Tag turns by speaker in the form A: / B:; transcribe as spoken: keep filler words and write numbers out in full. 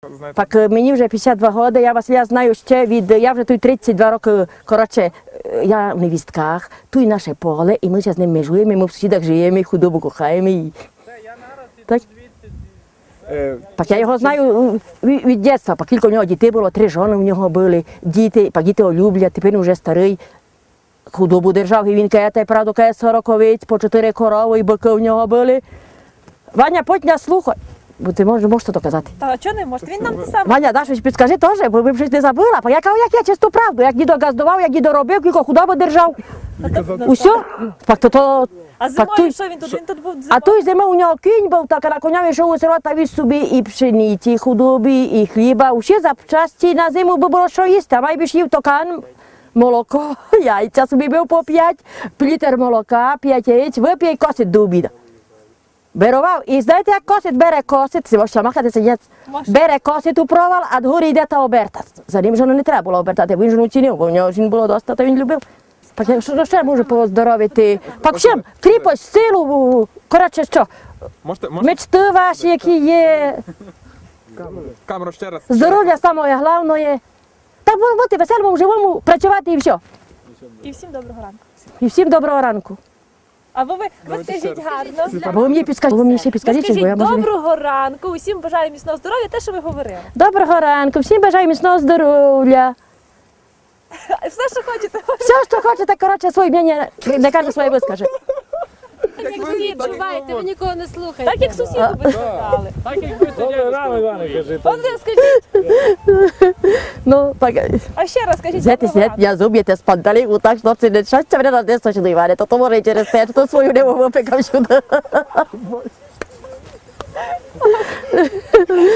A: знаєте.
B: Так е, мені вже п'ятдесят два роки, я Василя знаю ще від, я вже тут тридцять два роки, коротше, е, я в невістках, тут наше поле, і ми зараз з ним межуємо, і ми в сусідах живемо, і худобу кохаємо. І... Так.
A: Е,
B: Так я його знаю е, від, від дитинства, пак кілька в нього дітей було, три жони в нього були, діти, пак діти його люблять, тепер він вже старий. Худобу держав, і він каже, правду, каже, сорок овець, по чотири корови, і бики в нього були. Ваня, потня слухай, бо ти можеш, можеш то казати.
C: Та чого не може? Він нам те саме.
B: Ваня, даш щось підскажи теж, бо ви б щось не забула. Бо я кажу, як я чисту правду, як дідо газдував, як дідо робив, кілько худобу держав. Усьо? Так то то...
C: А
B: так
C: зимою
B: той-
C: що він тут? Він тут був зимою.
B: А той зима у нього кінь був, так а на коня йшов у село та віз собі і пшениці, і худобі, і хліба. Усі запчасті на зиму би було що їсти, а майбіж їв токан, молоко, яйця собі бив по п'ять, літр молока, п'ять яєць, вип'є і косить до обіду. Берував. І знаєте, як косить? Бере косить, це можна махати сидять.
C: Можна.
B: Бере косить у провал, а дгорі йде та оберта. За ним жону не треба було обертати, бо він жону цінив, бо в нього жін було доста, то він любив. Пак я що ще можу поздоровити? Пак всім, кріпость, силу, коротше що,
A: можете, можете
B: мечти ваші, які є,
A: в камеру ще раз?
B: здоров'я саме головне. Та бути веселому, живому, працювати і все.
C: І всім доброго ранку.
B: І всім доброго ранку.
C: А ви, ви, ви
A: Давайте ще
C: скажіть
A: раз.
C: гарно.
B: Або ви мені підскажіть, ви мені ще
C: Ви
B: підскажіть, щось, бо я
C: скажіть
B: можу... не-
C: доброго ранку, усім бажаю міцного здоров'я, те, що ви говорили.
B: Доброго ранку, всім бажаю міцного здоров'я.
C: Все, що хочете.
B: Все, що хочете, коротше, своє мнення, не каже своє вискаже.
C: Так, як сусід,
D: Чувайте, ви нікого не слухаєте.
C: так як сусіду ви сказали.
E: Добре, рано, Іване, кажи.
C: От ви скажіть,
B: Ну, так,
C: а ще раз скажіть
B: знаєте,
C: доброго
B: сидять,
C: ранку.
B: я зуб'єте з панталіку, так, що це не щастя мене на десь точно, Іване, то то може і через те, що то свою не випекав сюди.